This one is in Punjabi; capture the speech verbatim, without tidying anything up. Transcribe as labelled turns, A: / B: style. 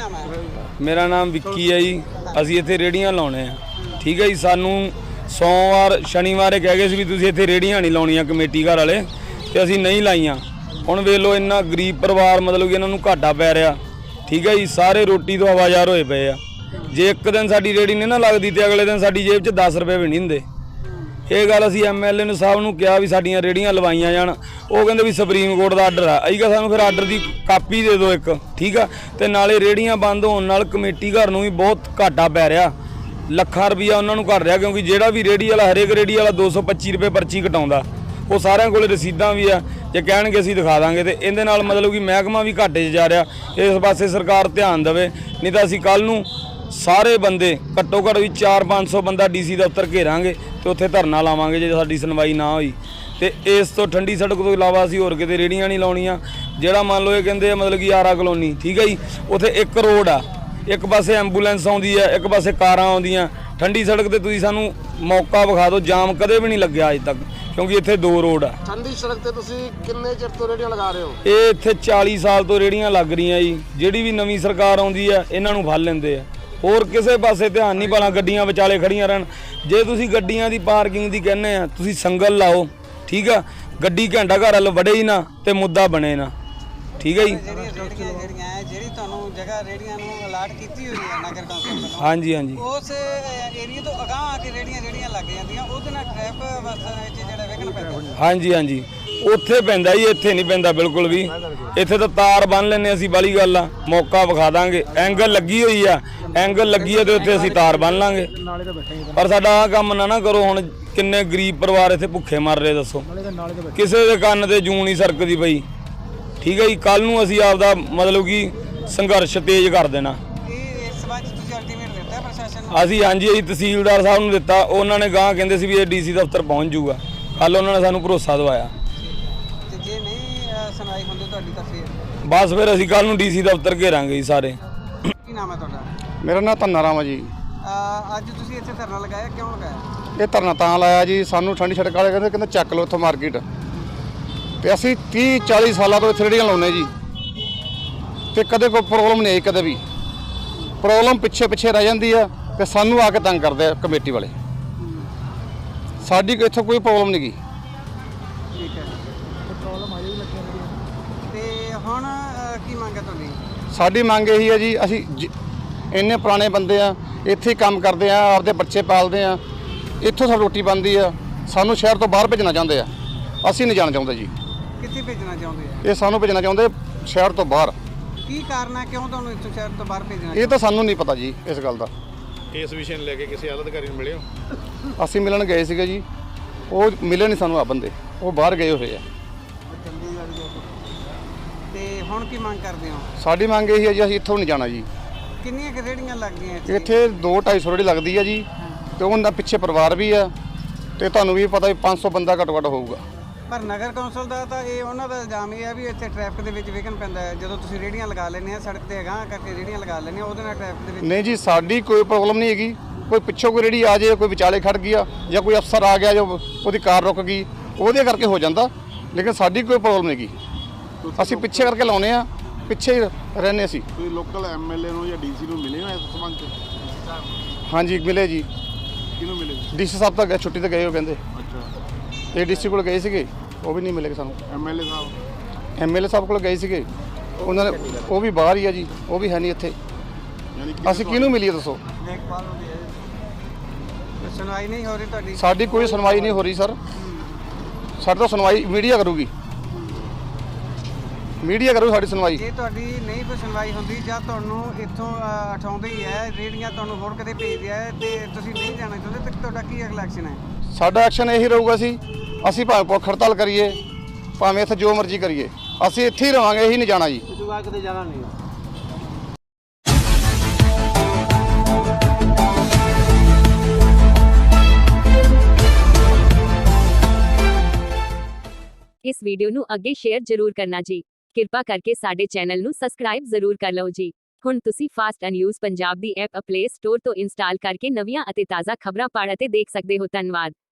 A: नाम है?
B: मेरा नाम विक्की है जी। ਅਸੀਂ ਇੱਥੇ ਰੇੜੀਆਂ ਲਾਉਣੇ ਆ, ਠੀਕ ਹੈ ਜੀ। ਸਾਨੂੰ ਸੋਮਵਾਰ ਸ਼ਨੀਵਾਰ ਕਹਿ ਗਏ ਸੀ ਵੀ ਤੁਸੀਂ ਇੱਥੇ ਰੇੜੀਆਂ ਨਹੀਂ ਲਾਉਣੀਆਂ ਕਮੇਟੀ ਘਰ ਵਾਲੇ, ਤੇ ਅਸੀਂ ਨਹੀਂ ਲਾਈਆਂ। ਹੁਣ ਵੇਖ ਲਓ ਇੰਨਾ ਗਰੀਬ ਪਰਿਵਾਰ, ਮਤਲਬ ਕਿ ਇਹਨਾਂ ਨੂੰ ਘਾਟਾ ਪੈ ਰਿਹਾ, ਠੀਕ ਹੈ ਜੀ। ਸਾਰੇ ਰੋਟੀ ਤੋਂ ਆਵਾਜ਼ਾਰ ਹੋਏ ਪਏ ਆ। ਜੇ ਇੱਕ ਦਿਨ ਸਾਡੀ ਰੇੜੀ ਨਹੀਂ ਨਾ ਲੱਗਦੀ ਤੇ ਅਗਲੇ ਦਿਨ ਸਾਡੀ ਜੇਬ 'ਚ ਦਸ ਰੁਪਏ ਵੀ ਨਹੀਂ ਹੁੰਦੇ। ਇਹ ਗੱਲ ਅਸੀਂ ਐਮ ਐਲ ਏ ਨੂੰ ਸਾਹਿਬ ਨੂੰ ਕਿਹਾ ਵੀ ਸਾਡੀਆਂ ਰੇੜੀਆਂ ਲਵਾਈਆਂ ਜਾਣ। ਉਹ ਕਹਿੰਦੇ ਵੀ ਸੁਪਰੀਮ ਕੋਰਟ ਦਾ ਆਰਡਰ ਆ। ਅਸੀਂ ਕਿਹਾ ਸਾਨੂੰ ਫਿਰ ਆਰਡਰ ਦੀ ਕਾਪੀ ਦੇ ਦਿਓ ਇੱਕ, ਠੀਕ ਆ। ਤੇ ਨਾਲੇ ਰੇੜੀਆਂ ਬੰਦ ਹੋਣ ਨਾਲ ਕਮੇਟੀ ਘਰ ਨੂੰ ਵੀ ਬਹੁਤ ਘਾਟਾ ਪੈ ਰਿਹਾ, ਲੱਖਾਂ ਰੁਪਈਆ ਉਹਨਾਂ ਨੂੰ ਘਟ ਰਿਹਾ, ਕਿਉਂਕਿ ਜਿਹੜਾ ਵੀ ਰੇੜੀ ਵਾਲਾ, ਹਰੇਕ ਰੇੜੀ ਵਾਲਾ ਦੋ ਸੌ ਪੱਚੀ ਰੁਪਏ ਪਰਚੀ ਕਟਾਉਂਦਾ। ਉਹ ਸਾਰਿਆਂ ਕੋਲ ਰਸੀਦਾਂ ਵੀ ਆ, ਜੇ ਕਹਿਣਗੇ ਅਸੀਂ ਦਿਖਾ ਦਾਂਗੇ। ਤੇ ਇਹਦੇ ਨਾਲ ਮਤਲਬ ਕਿ ਮਹਿਕਮਾ ਵੀ ਘਾਟੇ 'ਚ ਜਾ ਰਿਹਾ। ਇਸ ਪਾਸੇ ਸਰਕਾਰ ਧਿਆਨ ਦੇਵੇ, ਨਹੀਂ ਤਾਂ ਅਸੀਂ ਕੱਲ੍ਹ ਨੂੰ ਸਾਰੇ ਬੰਦੇ ਘੱਟੋ ਘੱਟ ਵੀ ਚਾਰ ਪੰਜ ਸੌ ਬੰਦਾ ਡੀ ਸੀ ਦਫ਼ਤਰ ਘੇਰਾਂਗੇ ਤੇ ਉੱਥੇ ਧਰਨਾ ਲਾਵਾਂਗੇ ਜੇ ਸਾਡੀ ਸੁਣਵਾਈ ਨਾ ਹੋਈ। ਤੇ ਇਸ ਤੋਂ ਠੰਡੀ ਸੜਕ ਤੋਂ ਇਲਾਵਾ ਅਸੀਂ ਹੋਰ ਕਿਤੇ ਰੇੜੀਆਂ ਨਹੀਂ ਲਾਉਣੀਆਂ। ਜਿਹੜਾ ਮੰਨ ਲਓ ਇਹ ਕਹਿੰਦੇ ਆ ਮਤਲਬ ਕਿ ਆਰਾ ਕਲੋਨੀ, ਠੀਕ ਹੈ ਜੀ, ਉੱਥੇ ਇੱਕ ਰੋਡ ਆ, ਇੱਕ ਪਾਸੇ ਐਂਬੂਲੈਂਸ ਆਉਂਦੀ ਹੈ, ਇੱਕ ਪਾਸੇ ਕਾਰਾਂ ਆਉਂਦੀਆਂ। ਠੰਡੀ ਸੜਕ ਤੇ ਤੁਸੀਂ ਸਾਨੂੰ ਮੌਕਾ ਵਿਖਾ ਦਿਓ, ਜਾਮ ਕਦੇ ਵੀ ਨਹੀਂ ਲੱਗਿਆ ਅੱਜ ਤੱਕ, ਕਿਉਂਕਿ ਇੱਥੇ ਦੋ ਰੋਡ ਆ।
C: ਠੰਡੀ ਸੜਕ ਤੇ ਤੁਸੀਂ ਕਿੰਨੇ ਚਿਰ ਤੋਂ ਰੇੜੀਆਂ ਲਗਾ ਰਹੇ ਹੋ?
B: ਇਹ ਇੱਥੇ ਚਾਲੀ ਸਾਲ ਤੋਂ ਰੇੜੀਆਂ ਲੱਗ ਰਹੀਆਂ ਜੀ। ਜਿਹੜੀ ਵੀ ਨਵੀਂ ਸਰਕਾਰ ਆਉਂਦੀ ਆ ਇਹਨਾਂ ਨੂੰ ਫੜ ਲੈਂਦੇ ਆ, ਹੋਰ ਕਿਸੇ ਪਾਸੇ ਧਿਆਨ ਨਹੀਂ ਪਾਣਾ। ਗੱਡੀਆਂ ਵਿਚਾਲੇ ਖੜੀਆਂ ਰਹਿਣ। ਜੇ ਤੁਸੀਂ ਗੱਡੀਆਂ ਦੀ ਪਾਰਕਿੰਗ ਦੀ ਕਹਿੰਦੇ ਆ, ਤੁਸੀਂ ਸੰਗਲ ਲਾਓ, ਠੀਕ ਆ। ਗੱਡੀ ਘੰਟਾ ਘਰ ਵੱਲ ਵੜੇ ਹੀ ਨਾ ਤੇ ਮੁੱਦਾ ਬਣੇ ਨਾ, ਠੀਕ ਹੈ ਜੀ।
A: ਜਿਹੜੀਆਂ ਰੇੜੀਆਂ ਜਿਹੜੀਆਂ ਹੈ, ਜਿਹੜੀ ਤੁਹਾਨੂੰ ਜਗ੍ਹਾ ਰੇੜੀਆਂ ਨੂੰ ਅਲਾਟ ਕੀਤੀ ਹੋਈ ਹੈ ਨਗਰ ਕੌਂਸਲ ਵੱਲੋਂ,
B: ਹਾਂਜੀ ਹਾਂਜੀ,
A: ਉਸ ਏਰੀਆ ਤੋਂ ਅਗਾਂਹ ਆ ਕੇ ਰੇੜੀਆਂ ਜਿਹੜੀਆਂ ਲੱਗ ਜਾਂਦੀਆਂ, ਉਹਦੇ ਨਾਲ ਟ੍ਰੈਫਿਕ ਅਵਸਥਾ ਵਿੱਚ ਜਿਹੜਾ ਵਿਘਨ ਪੈਂਦਾ।
B: ਹਾਂਜੀ ਹਾਂਜੀ, ਉੱਥੇ ਪੈਂਦਾ ਜੀ, ਇੱਥੇ ਨਹੀਂ ਪੈਂਦਾ ਬਿਲਕੁਲ ਵੀ। ਇੱਥੇ ਤਾਂ ਤਾਰ ਬੰਨ ਲੈਂਦੇ ਅਸੀਂ, ਵਾਲੀ ਗੱਲ ਆ। ਮੌਕਾ ਵਿਖਾ ਦਾਂਗੇ, ਐਂਗਲ ਲੱਗੀ ਹੋਈ ਆ, ਐਂਗਲ ਲੱਗੀ ਆ ਤੇ ਉੱਥੇ ਅਸੀਂ ਤਾਰ ਬੰਨ ਲਾਂਗੇ। ਪਰ ਸਾਡਾ ਆਹ ਕੰਮ ਨਾ ਨਾ ਕਰੋ। ਹੁਣ ਕਿੰਨੇ ਗਰੀਬ ਪਰਿਵਾਰ ਇੱਥੇ ਭੁੱਖੇ ਮਰ ਰਹੇ ਦੱਸੋ, ਕਿਸੇ ਦੇ ਕੰਨ ਤੇ ਜੂੰ ਨਹੀਂ ਸਰਕਦੀ ਪਈ, ਠੀਕ ਹੈ ਜੀ। ਕੱਲ ਨੂੰ ਅਸੀਂ ਆਪਦਾ ਮਤਲਬ ਕਿ ਸੰਘਰਸ਼ ਤੇਜ਼ ਕਰ ਦੇਣਾ।
A: ਇਹ ਇਸ ਸੰਬੰਧ ਤੁਸੀਂ ਅਲਟੀਮੇਟ ਦਿੱਤਾ ਪ੍ਰਸ਼ਾਸਨ ਨੂੰ?
B: ਅਸੀਂ ਹਾਂਜੀ ਅਸੀਂ ਤਹਿਸੀਲਦਾਰ ਸਾਹਿਬ ਨੂੰ ਦਿੱਤਾ। ਉਹਨਾਂ ਨੇ ਗਾਂ ਕਹਿੰਦੇ ਸੀ ਵੀ ਇਹ ਡੀ ਸੀ ਦਫ਼ਤਰ ਪਹੁੰਚ ਜਾਊਗਾ। ਕੱਲ ਉਹਨਾਂ ਨੇ ਸਾਨੂੰ ਭਰੋਸਾ ਦਿਵਾਇਆ।
A: ਤੇ ਜੇ ਨਹੀਂ ਸੁਣਾਈ ਹੁੰਦੀ ਤੁਹਾਡੀ ਤਾਂ ਫਿਰ
B: ਬਸ ਫਿਰ ਅਸੀਂ ਕੱਲ ਨੂੰ ਡੀ ਸੀ ਦਫ਼ਤਰ ਘੇਰਾਂਗੇ ਜੀ ਸਾਰੇ।
A: ਕੀ ਨਾਮ ਹੈ ਤੁਹਾਡਾ?
C: ਮੇਰਾ ਨਾਮ ਧੰਨਾ ਰਾਮ ਹੈ ਜੀ।
A: ਅਹ ਅੱਜ ਤੁਸੀਂ ਇੱਥੇ ਧਰਨਾ ਲਗਾਇਆ, ਕਿਉਂ ਲਗਾਇਆ?
C: ਇਹ ਧਰਨਾ ਤਾਂ ਲਾਇਆ ਜੀ, ਸਾਨੂੰ ਠੰਡੀ ਸੜਕ ਵਾਲੇ ਕਹਿੰਦੇ ਕਹਿੰਦੇ ਚੱਕ ਲਓ ਇੱਥੋਂ ਮਾਰਕੀਟ। ਤੇ ਅਸੀਂ ਤੀਹ ਚਾਲੀ ਸਾਲਾਂ ਤੋਂ ਇੱਥੇ ਰੇੜੀਆਂ ਲਾਉਂਦੇ ਜੀ, ਤੇ ਕਦੇ ਕੋਈ ਪ੍ਰੋਬਲਮ ਨਹੀਂ ਆਈ। ਕਦੇ ਵੀ ਪ੍ਰੋਬਲਮ ਪਿੱਛੇ ਪਿੱਛੇ ਰਹਿ ਜਾਂਦੀ ਆ ਤੇ ਸਾਨੂੰ ਆ ਕੇ ਤੰਗ ਕਰਦੇ ਆ ਕਮੇਟੀ ਵਾਲੇ। ਸਾਡੀ ਇੱਥੋਂ ਕੋਈ ਪ੍ਰੋਬਲਮ ਨਹੀਂ ਗਈ।
A: ਠੀਕ ਹੈ, ਪ੍ਰੋਬਲਮ ਆ ਜਾਈ ਲੱਗੀ। ਤੇ ਹੁਣ ਅਹ, ਕੀ ਮੰਗ ਹੈ ਤੁਹਾਡੀ?
C: ਸਾਡੀ ਮੰਗ ਇਹੀ ਹੈ ਜੀ, ਅਸੀਂ ਜ- ਇੰਨੇ ਪੁਰਾਣੇ ਬੰਦੇ ਆ, ਇੱਥੇ ਹੀ ਕੰਮ ਕਰਦੇ ਆ, ਆਪਦੇ ਬੱਚੇ ਪਾਲਦੇ ਆ, ਇੱਥੋਂ ਸਾਡੀ ਰੋਟੀ ਬਣਦੀ ਆ। ਸਾਨੂੰ ਸ਼ਹਿਰ ਤੋਂ ਬਾਹਰ ਭੇਜਣਾ ਚਾਹੁੰਦੇ ਆ, ਅਸੀਂ ਨਹੀਂ ਜਾਣਾ ਚਾਹੁੰਦੇ ਜੀ।
A: ਕਿੱਥੇ ਭੇਜਣਾ ਚਾਹੁੰਦੇ ਆ?
C: ਇਹ ਸਾਨੂੰ ਭੇਜਣਾ ਚਾਹੁੰਦੇ ਸ਼ਹਿਰ ਤੋਂ ਬਾਹਰ।
A: ਕੀ ਕਾਰਨ ਹੈ, ਕਿਉਂ ਤੁਹਾਨੂੰ ਇੱਥੋਂ ਸ਼ਹਿਰ ਤੋਂ ਬਾਹਰ ਭੇਜਣਾ?
C: ਇਹ ਤਾਂ ਸਾਨੂੰ ਨਹੀਂ ਪਤਾ ਜੀ ਇਸ ਗੱਲ ਦਾ।
D: ਇਸ ਵਿਸ਼ੇ ਨੂੰ ਲੈ ਕੇ ਕਿਸੇ ਆਲਾ ਅਧਿਕਾਰੀ ਨੂੰ ਮਿਲੇ ਹੋ?
C: ਅਸੀਂ ਮਿਲਣ ਗਏ ਸੀਗੇ ਜੀ, ਉਹ ਮਿਲੇ ਨਹੀਂ ਸਾਨੂੰ। ਆ ਬੰਦੇ ਉਹ ਬਾਹਰ ਗਏ ਹੋਏ ਆ।
A: ਤੇ ਹੁਣ ਕੀ ਮੰਗ ਕਰਦੇ ਹੋ?
C: ਸਾਡੀ ਮੰਗ ਇਹੀ ਹੈ ਜੀ, ਅਸੀਂ ਇੱਥੋਂ ਨਹੀਂ ਜਾਣਾ ਜੀ।
A: ਕਿੰਨੀਆਂ ਕੁ ਰੇੜੀਆਂ ਲੱਗਦੀਆਂ ਇੱਥੇ?
C: ਇੱਥੇ ਦੋ ਢਾਈ ਸੌ ਰੇੜੀ ਲੱਗਦੀ ਆ ਜੀ, ਤੇ ਉਹਨਾਂ ਪਿੱਛੇ ਪਰਿਵਾਰ ਵੀ ਆ, ਤੇ ਤੁਹਾਨੂੰ ਵੀ ਪਤਾ ਵੀ ਪੰਜ ਸੌ ਬੰਦਾ ਘੱਟੋ ਘੱਟ ਹੋਊਗਾ।
A: ਪਰ ਨਗਰ ਕੌਂਸਲ ਦਾ ਤਾਂ ਇਹ ਉਹਨਾਂ ਦਾ ਇਲਜ਼ਾਮ ਇਹ ਹੈ ਵੀ ਇੱਥੇ ਟ੍ਰੈਫਿਕ ਦੇ ਵਿੱਚ ਵਿਘਨ ਪੈਂਦਾ ਹੈ। ਜਦੋਂ ਤੁਸੀਂ ਰੇੜੀਆਂ ਲਗਾ ਲੈਂਦੇ ਆ ਸੜਕ ਤੇ ਅਗਾਂਹ ਕਰਕੇ ਰੇੜੀਆਂ ਲਗਾ ਲੈਂਦੇ ਆ, ਉਹਦੇ ਨਾਲ ਟ੍ਰੈਫਿਕ ਦੇ ਵਿੱਚ
C: ਨਹੀਂ ਜੀ, ਸਾਡੀ ਕੋਈ ਪ੍ਰੋਬਲਮ ਨਹੀਂ ਹੈਗੀ। ਕੋਈ ਪਿੱਛੋਂ ਕੋਈ ਰੇੜੀ ਆ ਜਾਏ, ਕੋਈ ਵਿਚਾਲੇ ਖੜ ਗਿਆ, ਜਾਂ ਕੋਈ ਅਫਸਰ ਆ ਗਿਆ ਜੋ ਉਹਦੀ ਕਾਰ ਰੁਕ ਗਈ, ਉਹਦੇ ਕਰਕੇ ਹੋ ਜਾਂਦਾ। ਲੇਕਿਨ ਸਾਡੀ ਕੋਈ ਪ੍ਰੋਬਲਮ ਨਹੀਂ ਹੈਗੀ। ਅਸੀਂ ਪਿੱਛੇ ਕਰਕੇ ਲਾਉਨੇ ਆ, ਪਿੱਛੇ ਹੀ ਰਹਿੰਦੇ ਅਸੀਂ।
D: ਕੋਈ ਲੋਕਲ ਐਮ ਐਲ ਏ ਨੂੰ ਜਾਂ ਡੀ ਸੀ ਨੂੰ ਮਿਲੇ ਹੋ ਇਸ ਸੰਬੰਧ 'ਚ?
C: ਹਾਂਜੀ ਮਿਲੇ ਜੀ,
D: ਕਿਹਨੂੰ ਮਿਲੇ?
C: ਡੀ ਸੀ ਸਾਹਿਬ ਤਾਂ ਗਏ, ਛੁੱਟੀ ਤੇ ਗਏ ਉਹ ਕਹਿੰਦੇ।
D: ਅੱਛਾ,
C: ਇਹ ਡੀ ਸੀ ਕੋਲ ਗਏ ਸੀਗੇ, ਉਹ ਵੀ ਨਹੀਂ ਮਿਲੇ ਸਾਨੂੰ।
D: ਐਮ ਐਲ ਏ ਸਾਹਿਬ?
C: ਐਮ ਐਲ ਏ ਸਾਹਿਬ ਕੋਲ ਗਏ ਸੀਗੇ, ਉਹਨਾਂ ਨੇ ਉਹ ਵੀ ਬਾਹਰ ਹੀ ਆ ਜੀ, ਉਹ ਵੀ ਹੈ ਨਹੀਂ ਇੱਥੇ।
D: ਯਾਨੀ ਕਿ
C: ਅਸੀਂ ਕਿਹਨੂੰ ਮਿਲੀਏ ਦੱਸੋ?
A: ਦੇਖਭਾਲ ਹੁੰਦੀ ਹੈ, ਸੁਣਵਾਈ ਨਹੀਂ ਹੋ ਰਹੀ ਤੁਹਾਡੀ?
C: ਸਾਡੀ ਕੋਈ ਸੁਣਵਾਈ ਨਹੀਂ ਹੋ ਰਹੀ ਸਰ। ਸਾਡੀ ਤਾਂ ਸੁਣਵਾਈ ਮੀਡੀਆ ਕਰੂਗੀ, ਮੀਡੀਆ ਕਰੂ ਸਾਡੀ ਸੁਣਵਾਈ।
A: ਜੇ ਤੁਹਾਡੀ ਨਹੀਂ ਕੋਈ ਸੁਣਵਾਈ ਹੁੰਦੀ ਜਾਂ ਤੁਹਾਨੂੰ ਇੱਥੋਂ ਅਹ, ਉਠਾਉਂਦੇ ਹੀ ਹੈ ਰੇੜੀਆਂ, ਤੁਹਾਨੂੰ ਹੋਰ ਕਿਤੇ ਭੇਜਦੇ ਆ ਤੇ ਤੁਸੀਂ ਨਹੀਂ ਜਾਣਾ ਚਾਹੁੰਦੇ, ਤਾਂ ਤੁਹਾਡਾ ਕੀ ਅਗਲਾ ਐਕਸ਼ਨ ਹੈ?
C: ਸਾਡਾ ਐਕਸ਼ਨ ਇਹੀ ਰਹੂਗਾ ਸੀ, ਅਸੀਂ ਭਾਵੇਂ ਭੁੱਖ ਹੜਤਾਲ ਕਰੀਏ, ਭਾਵੇਂ ਇੱਥੇ ਜੋ ਮਰਜ਼ੀ ਕਰੀਏ, ਅਸੀਂ ਇੱਥੇ ਹੀ ਰਵਾਂਗੇ, ਇਹੀ ਨਹੀਂ ਜਾਣਾ ਜੀ।
A: ਤੁਸੀਂ ਕਿਤੇ ਜਾਣਾ ਨਹੀਂ।
E: इस वीडियो ਨੂੰ ਅੱਗੇ ਸ਼ੇਅਰ ਜ਼ਰੂਰ ਕਰਨਾ ਜੀ। ਕਿਰਪਾ ਕਰਕੇ ਸਾਡੇ ਚੈਨਲ ਨੂੰ ਸਬਸਕ੍ਰਾਈਬ ਜ਼ਰੂਰ ਕਰ ਲਓ ਜੀ। ਹੁਣ ਤੁਸੀਂ ਫਾਸਟ ਨਿਊਜ਼ ਪੰਜਾਬ ਦੀ ਐਪ ਪਲੇ ਸਟੋਰ ਤੋਂ ਇੰਸਟਾਲ ਕਰਕੇ ਨਵੀਆਂ ਅਤੇ ਤਾਜ਼ਾ ਖਬਰਾਂ ਪੜ੍ਹ ਅਤੇ ਦੇਖ ਸਕਦੇ ਹੋ। ਧੰਨਵਾਦ।